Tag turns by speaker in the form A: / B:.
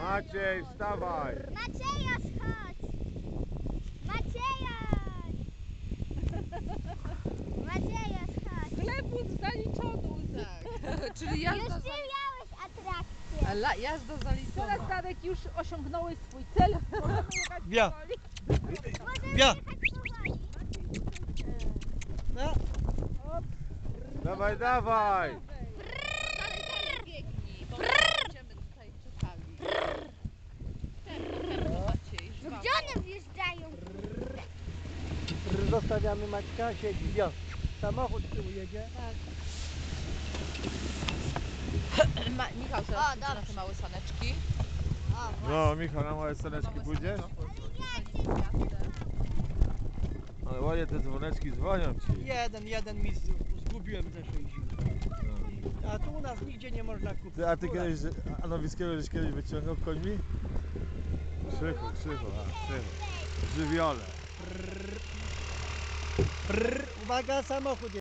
A: Maciej, wstawaj!
B: Macieja, chodź! Macieja! Macieja, chodź!
C: Chlebut zaliczony, Uzak. Czyli
B: Już
C: jazda,
B: ty miałeś atrakcję.
C: jazda zaliczona.
D: Teraz Darek już osiągnąłeś swój cel. Możemy jechać
E: Ja.
D: powoli.
B: Możemy
E: Ja.
B: jechać powoli.
E: No.
A: Dawaj, dawaj!
C: Dalej biegnij, bo będziemy tutaj czekali. Tempo, Maciej,
B: No
C: żwawo.
B: gdzie one wjeżdżają?
E: Zostawiamy Maćka, siedzi. Ja. Samochód z tyłu jedzie.
C: Michał
B: O,
C: teraz pójdzie na
B: dobrze.
C: te małe saneczki.
B: O,
A: No, Michał, na małe sceneczki pójdziesz? Ale ładnie te dzwoneczki dzwonią ci.
E: Jeden mi zgubiłem ze 60. A tu u nas nigdzie nie można kupić.
A: Ty, a ty kiedyś, a Nowickiego żeś kiedyś wyciągnął końmi? Krzychu, krzychu. W żywiole.
E: Uwaga, samochód